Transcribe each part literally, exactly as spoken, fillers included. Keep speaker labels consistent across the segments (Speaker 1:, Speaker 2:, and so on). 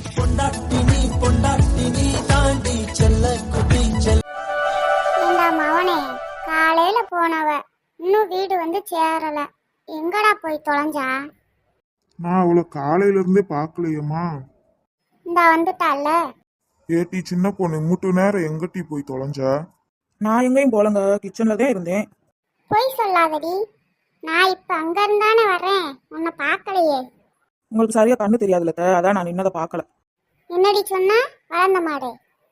Speaker 1: பொண்டாட்டி நீ பொண்டாட்டி நீ தாண்டி செல்ல குட்டி செல்ல.
Speaker 2: ஏண்டா மவனே, காலையில போனவ இன்னும் வீடு வந்து சேரல, எங்கடா போய் தொலைஞ்சா?
Speaker 3: நான் அவளை காலையில இருந்தே பாக்கலையம்மா.
Speaker 2: இந்த வந்துட்டால.
Speaker 3: ஏட்டி சின்ன பொண்ணு மூட்டு நேரம் எங்கட்டி போய் தொலைஞ்சா?
Speaker 4: நான் எங்கேயும் போலங்க, கிச்சன்ல தான் இருந்தேன்.
Speaker 2: பொய் சொல்லாதடி, நான் இப்ப அங்க இருந்தானே வரேன், உன்னை பார்க்கலையே.
Speaker 4: உங்களுக்கு சரியா கண்ணு தெரியாதுல்ல, அதான் நான் நின்னதை பார்க்கல.
Speaker 2: என்னடி சொன்னா வளர்ந்த மாடு?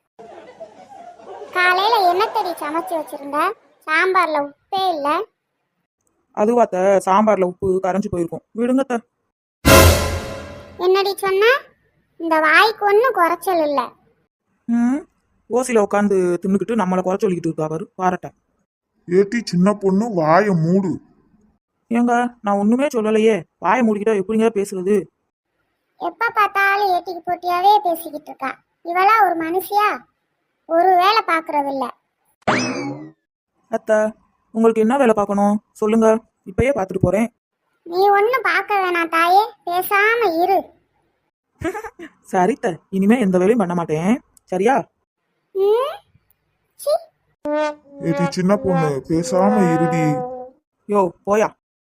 Speaker 2: காலையில என்னத்தடி சமைச்சு வச்சிருந்த? சாம்பார்ல உப்பே இல்ல.
Speaker 4: அதுவாத்த சாம்பார்ல உப்பு கரைஞ்சு போயிருக்கும், விடுங்கத்த.
Speaker 2: என்னடி சொன்னா? இந்த வாய்க்கு ஒன்னும் குறைச்சல் இல்ல.
Speaker 4: ம் ஓசில உட்காந்து தின்னுக்கிட்டு நம்மளை குறை சொல்லிக்கிட்டு இருக்கா அவரு, பாரட்ட.
Speaker 3: ஏட்டி சின்ன பொண்ணு வாய மூடு.
Speaker 4: ஏங்க நான் ஒண்ணுமே சொல்லலையே, வாயை மூடிக்கிட்டா எப்படிங்க பேசுறது?
Speaker 2: எப்ப பார்த்தாலும் ஏட்டிக்கு போட்டியாவே பேசிக்கிட்டு இருக்கா. இவளா ஒரு மனுஷியா? ஒரு வேலை பாக்குறது இல்ல.
Speaker 4: அத்த உங்களுக்கு என்ன வேலை பார்க்கணும் சொல்லுங்க, இப்பயே பார்த்துட்டு போறேன்.
Speaker 2: நீ ஒன்னும் பார்க்க வேணாம் தாயே, பேசாம இரு.
Speaker 4: சரித்த, இனிமே எந்த வேலையும் பண்ண மாட்டேன், சரியா?
Speaker 2: ம், சீ.
Speaker 3: ஏட்டி சின்ன பொண்ணு பேசாம இருடி.
Speaker 4: யோ போயா.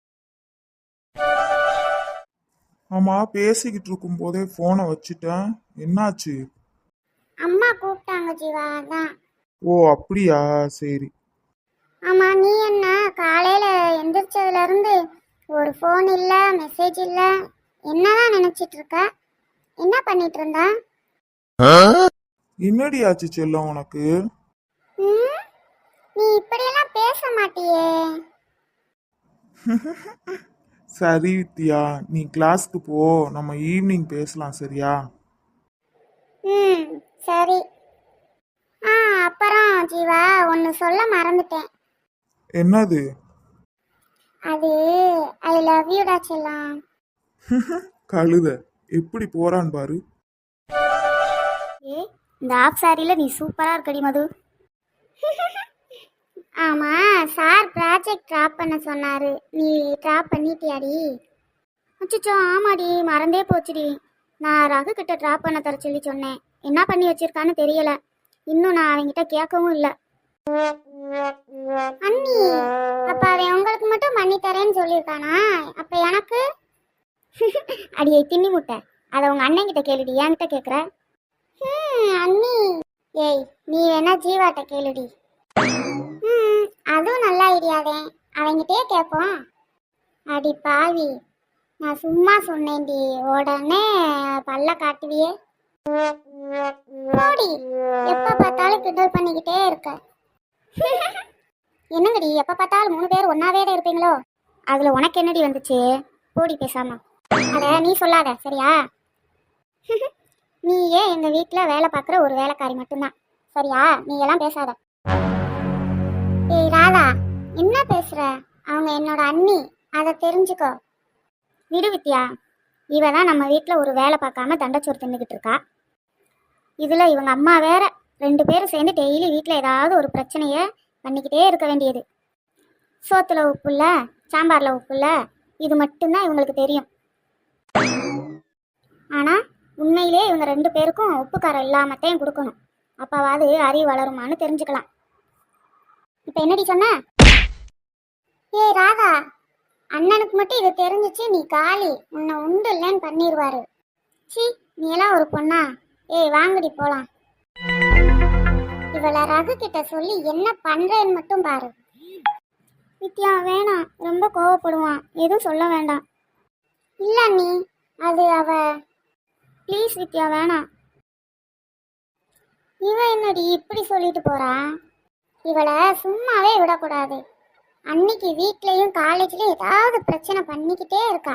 Speaker 3: ஆமா, பேசிக்கிட்டு இருக்கும் போதே போனை வச்சுட்டேன், என்னாச்சு?
Speaker 2: அம்மா கூப்பிட்டாங்க ஜீவா, அதான்.
Speaker 3: ஓ அப்படியா, சரி.
Speaker 2: ஆமா, நீ என்ன காலையில எந்திரிச்சதுல இருந்து ஒரு ஃபோன் இல்ல, மெசேஜ் இல்ல, என்னதான் நினைச்சிட்டு இருக்க? என்ன பண்ணிட்டு இருந்தா?
Speaker 3: என்னடி ஆச்சு செல்லம் உனக்கு?
Speaker 2: ம், நீ இப்படியெல்லாம் பேச மாட்டியே.
Speaker 3: சரி வித்யா, நீ கிளாஸ்க்கு போ, நம்ம ஈவினிங் பேசலாம், சரியா?
Speaker 2: ம் சரி. ஆ அப்புறம் ஜீவா, ஒன்று சொல்ல மறந்துட்டேன்.
Speaker 3: என்னது?
Speaker 2: அது ஐ லவ் யூடா செல்லம்.
Speaker 3: கழுத எப்படி போறான் பாரு.
Speaker 2: ஏ, இந்த ஆஃப் சாரியில நீ சூப்பரா இருக்கடி மது. ஆமா, சார் ப்ராஜெக்ட் டிராப் பண்ண சொன்னாரு, நீ டிராப் பண்ணிட்டியாடி? அச்சோ ஆமாடி, மறந்தே போச்சுடி. நான் ரகு கிட்ட டிராப் பண்ண தர சொல்லி சொன்னேன், என்ன பண்ணி வச்சிருக்கான்னு தெரியல. இன்னும் நான் அவங்கிட்ட கேட்கவும் இல்லை. அண்ணி, அப்ப அவன் உங்களுக்கு மட்டும் பண்ணி தரேன்னு சொல்லியிருக்கானா? அப்ப எனக்கு? அடியை தின்னி முட்டை, அதை உங்க அண்ணன் கிட்ட கேளுடி, என்கிட்ட கேட்குற? ம் அண்ணி, ஏய் நீ வேணா ஜீவாட்ட கேளுடி. ம் அதுவும் நல்ல ஐடியாதே, அவங்கிட்டே கேட்போம். அடி பாவி, நான் சும்மா சொன்னேன்டி, உடனே பல்ல காட்டுவியே. போடி, எப்ப பார்த்தாலும் கிண்டல் பண்ணிக்கிட்டே இருக்க. என்னங்கடி எப்ப பார்த்தாலும் மூணு பேர் ஒன்னாவே தான் இருப்பீங்களோ? அதுல உனக்கு என்னடி வந்துச்சு? போடி பேசாம. அத நீ சொல்லாத, சரியா? நீ ஏன் எங்க வீட்டுல வேலை பார்க்குற ஒரு வேலைக்காரி மட்டும்தான், சரியா? நீ எல்லாம் பேசாத. ஏய் ராதா, என்ன பேசுற? அவங்க என்னோட அண்ணி, அதை தெரிஞ்சுக்கோ. விடு வித்யா, இவ தான் நம்ம வீட்டில் ஒரு வேலை பார்க்காம தண்டச்சோறு தின்னுக்கிட்டு இருக்கா. இதில் இவங்க அம்மா வேற, ரெண்டு பேரும் சேர்ந்து டெய்லி வீட்டில் ஏதாவது ஒரு பிரச்சனையை பண்ணிக்கிட்டே இருக்க வேண்டியது. சோத்துல உப்பு இல்லை, சாம்பாரில் உப்பு இல்லை, இது மட்டும்தான் இவங்களுக்கு தெரியும். ஆனால் உண்மையிலே இவங்க ரெண்டு பேருக்கும் உப்பு காரம் இல்லாமத்தையும் கொடுக்கணும், அப்பாவாது அறிவு வளருமான்னு தெரிஞ்சுக்கலாம். இப்போ என்னடி சொன்ன? ஏய் ராதா, அண்ணனுக்கு மட்டும் இது தெரிஞ்சிச்சு நீ காலி, உன்னை உண்டு இல்லைன்னு பண்ணிடுவாரு. சி, நீ எல்லாம் ஒரு பொண்ணா? ஏய் வாங்கடி போலாம். இவளை ரகு கிட்ட சொல்லி என்ன பண்றேன்னு மட்டும் பாரு. வித்யா வேணாம், ரொம்ப கோவப்படுவான், எதுவும் சொல்ல வேண்டாம். இல்ல நீ, அது அவ. ப்ளீஸ் வித்யா வேணாம். இவ என்னடி இப்படி சொல்லிட்டு போறா? இவளை சும்மாவே விடக்கூடாது. அன்னைக்கு வீட்லயும் காலேஜ்லயும் ஏதாவது பிரச்சனை பண்ணிக்கிட்டே இருக்கா.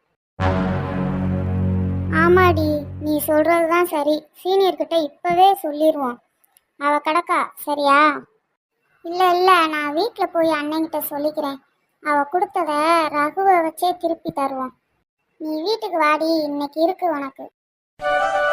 Speaker 2: ஆமாடி, நீ சொல்றதுதான் சரி, சீனியர் கிட்ட இப்பவே சொல்லிடுவோம். அவ கிடக்கா, சரியா? இல்ல இல்ல, நான் வீட்டுல போய் அண்ணன்கிட்ட சொல்லிக்கிறேன். அவ கொடுத்தத ரகுவை வச்சே திருப்பி தருவோம். நீ வீட்டுக்கு வாடி, இன்னைக்கு இருக்கு உனக்கு.